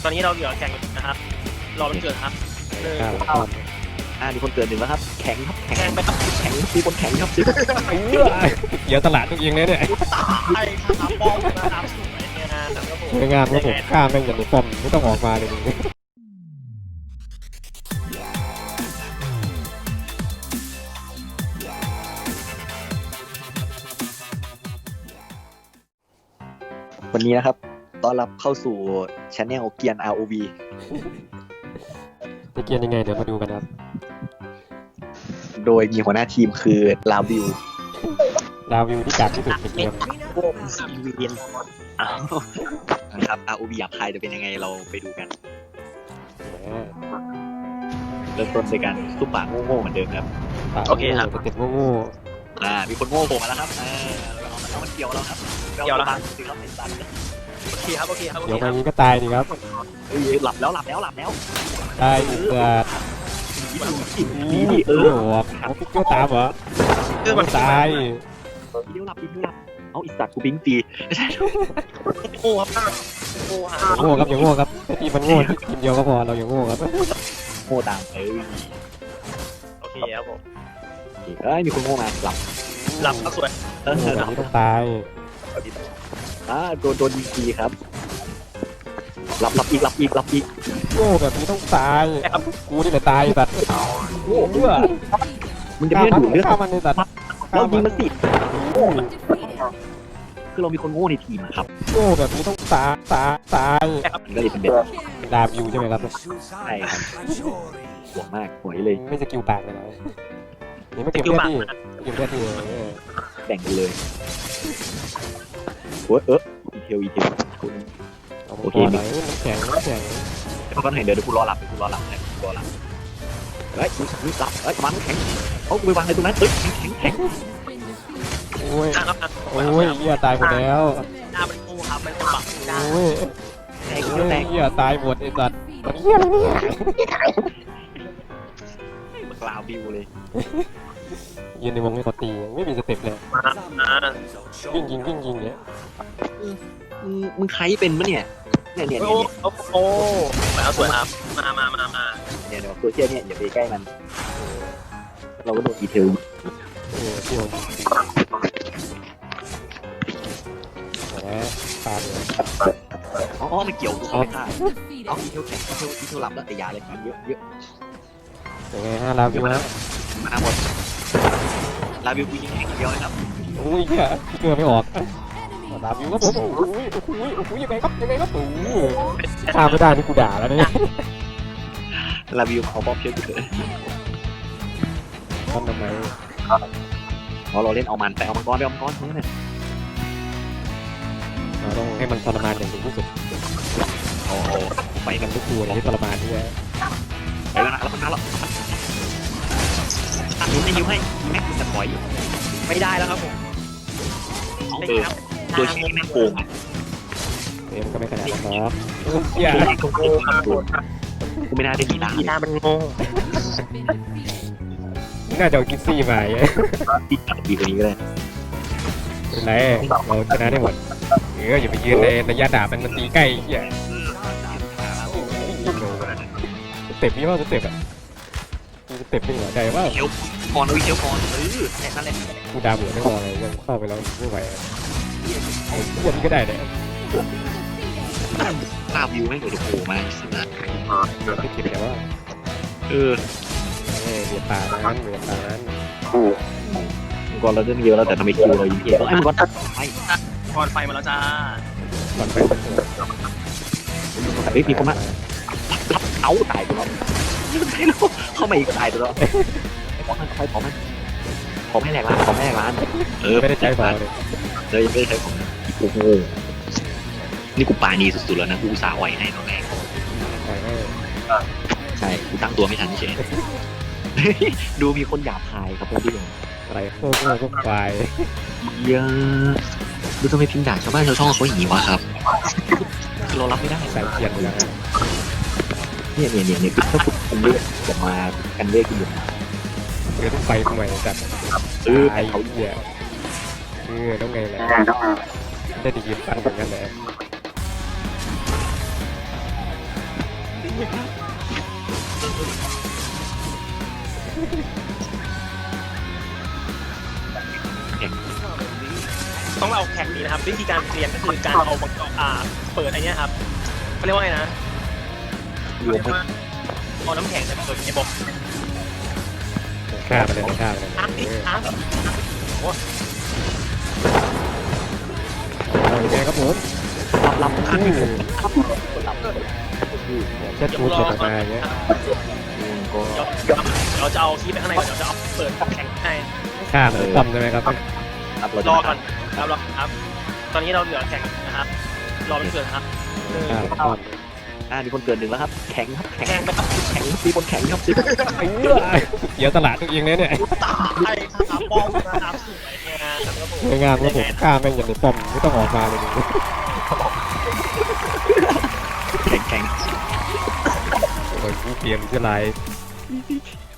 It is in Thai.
ตอนนี้เราเหลือแข่งนะครับรอมันเกิดครับมีคนเกิดหนึ่งแล้วครับแข็งครับแข็งแข่งไปครับแข็งมีคนแข็งครับเดี๋ยวตลาดต้องเองเลยเนี่ยใช่ครับป้อมนะครับสวยเนี่ยนะครับผมสวยงามครับผมข้ามแม่งอย่างนี้ป้อมไม่ต้องออกมาเลยวันนี้นะครับต้อนรับเข้าสู่ช anel เกียน ROV จะเกียนยังไงเดี๋ยวมาดูกันครับโดยมีหัวหน้าทีมคือลาวิวดาววิวที่กัดที่สุดในเกมพวกซีเวียนนะครับ ROV หยาบคายจะเป็นยังไงเราไปดูกันเริ่มต้นด้วยการซุปปากโง่ๆเหมือนเดิมครับโอเคครับเต็มโง่มีคนโง่โผล่มาแล้วครับเอามันเกี่ยวเราครับสิครับเป็นสัตว์โอเคครับโอเคครับโอเดี๋เคยวคมารับนี้ก็ตายดีครับหลับแล้วตายอีกเกิดดีโอ้โหเอาพิกเกอร์ตามเหรอตายทีเดียวหลับเอาอีสัตว์กูบิงตีไม่ใช่โง่ครับโง่ฮะโง่ครับอย่างโง่ครับทีมันโง่ทีมเดียวก็พอเราอย่างโง่ครับโง่ตามโอเคครับผมมีคนโง่มาหลับหลับก็สวยแบบนี้ต้องตายโดนยิงทีครับหลับอีกโง่แบบนี้ต้องตายกูนี่แหละตายสัตว์โง่เพื่อมันจะไม่ดูดเลือดฆ่ามันในสัตว์เรายิงมันสิคือเรามีคนโง่ในทีมครับโง่แบบนี้ต้องตายมันก็เลยเป็นแบบดาบอยู่ใช่ไหมครับใช่ครับห่วงมากห่วยเลยไม่สกิลปากเลยนะนี่ไม่เก็บเลือดดิเก็บเลือดดิแบ่งกันเลยอีเทลคุณโอเคหน่อยน้ำแข็งก็เห็นเดี๋ยวกูรอหลับเฮ้ยหลับมันแข็งเอากูไปวางในตรงนั้นแข็งโอ้ยครับโอ้ยเหี้ยตายหมดแล้วหน้ามันโง่ครับมันบักได้โอ้ยแตกเหี้ยตายหมดไอ้สัตว์เหี้ยอะไรเนี่ยมันกลาวบิวเลยยืนในวงให้เขาตีไม่มีสเต็ปเลยวิ่งยิงเนี่ยมึงใครเป็นมะเนี่ยโอ้เอาสวยครับมาเนี่ยโซเชียลเนี่ยอย่าไปใกล้มันเราก็โดนอีเทลที่ผมแหมตายเลยมันเกี่ยวกูเข้าไปฆ่าเอาอีเทลแข็งอีเทลหลับแล้วแต่ยาเลยมันเยอะยังไงฮะลาวิวฮะมาหมดลาวิวกูยิงแข็งเดียวเลยครับโอ้ยเหี้ยเกือบไม่ออกลาวิวก็ผมโอ้ยยังไงครับโอ้ยข้ามไม่ได้นี่กูด่าแล้วเนี่ยลาวิวเอาบอมเชื่อกูเถอะทำไมเพราะเราเล่นเอามันไปเอามังกรทั้งนั้นเราต้องให้มันทรมานอย่างถึงที่สุดไปกันทุกตัวเลยที่ทรมานนี่แหละไปแล้วนะแล้วมันมาแล้วตัดหินให้แม่งจะถอยไม่ได้แล้วครับผมโดยที่แม่งโกงเอ็มก็ไม่ขนาดนั้นหรอกอย่ากูไม่น่าได้มีล้างหน้ามันโง่น่าจะเอากินซี่มาติดกับดีกว่านี้ก็ได้เป็นไรเราชนะได้หมดอย่าไปยืนในระยะดาบมันตีใกล้อย่าสเต็ปนี้ว่าสเต็ปอ่ะสเต็ปเป็นหัวใจว่าเชียวก่อนแค่นั้นแหละกูดาหัวไม่พอเลยยังเข้าไปแล้วไม่ไหวอ้วนก็ได้เลยลาวิวแม่งเดี๋ยวโผล่มาสินะไม่เก็บแต่ว่าเเบียดตานั้นมังกรเราเรื่องเยอะแล้วแต่ทำไมคิวเรายิงเยอะไอ้มังกรตัดไปก่อนไฟมาแล้วจ้าก่อนไปมีคนมารับเอาตายไปแล้วเข้ามาอีกตายไปแล้วขอให้แหลกร้านไม่ได้ใจเบาเลยยังไม่ได้ใช้ของโอ้โหนี่กูปานีสุดๆแล้วนะกูอุตส่าห์ไหวให้ตอนแรกใช่กูตั้งตัวไม่ทันเฉยดูมีคนหยาบคายครับพี่อะไรพวกควายเยอะดูทำไมพิมพ์ด่าชาวบ้านชาวช่องเขาอย่างนี้วะครับเรารับไม่ได้ใส่เกียร์ไปแล้วเนี่ยคือถ้าคุณกันเลือกจะมากันเลือกคุณอยู่ต้องไปทำไมจัดไอ้เขาเหี้ยต้องไงแหละได้ดียินฟันเหมือนกันเลยนะครับวิธีการเรียนก็คือการเอามังกรเปิดไอ้เนี้ยครับเขาเรียกว่าไงนะรวมไปเอาน้ำแข็งใส่เปิดไอ้บอกฆ่าไปเลยฆ่าไปเลยอาร์ตอาร์ตยังไงครับผมรับขึ้นแค่ชูดตกออกมาอย่างเงี้ยก็เราจะเอาคีย์ไปข้างในก่อนเราจะเอาเปิดแข็งให้ฆ่ามันป้อมใช่ไหมครับรับรอก่อนครับรอครับ ตอนนี้เราเหลือแข็งนะครับรอเป็นเกิดครับฆ่ามันป้อมมีคนเกินหนึ่งแล้วครับแข็งครับแข็แข็งงไปครับแข็งมีคนแข็งครับเดี๋ยวตลาดตัวเองเลยเนี่ยตายครับป้องนะครับสวยงามครับผมสวยงามครับผมฆ่าแม่งอย่างในป้อมไม่ต้องออกมาเลยแข็งโอ้ยกูเปลี่ยนชื่ออะไร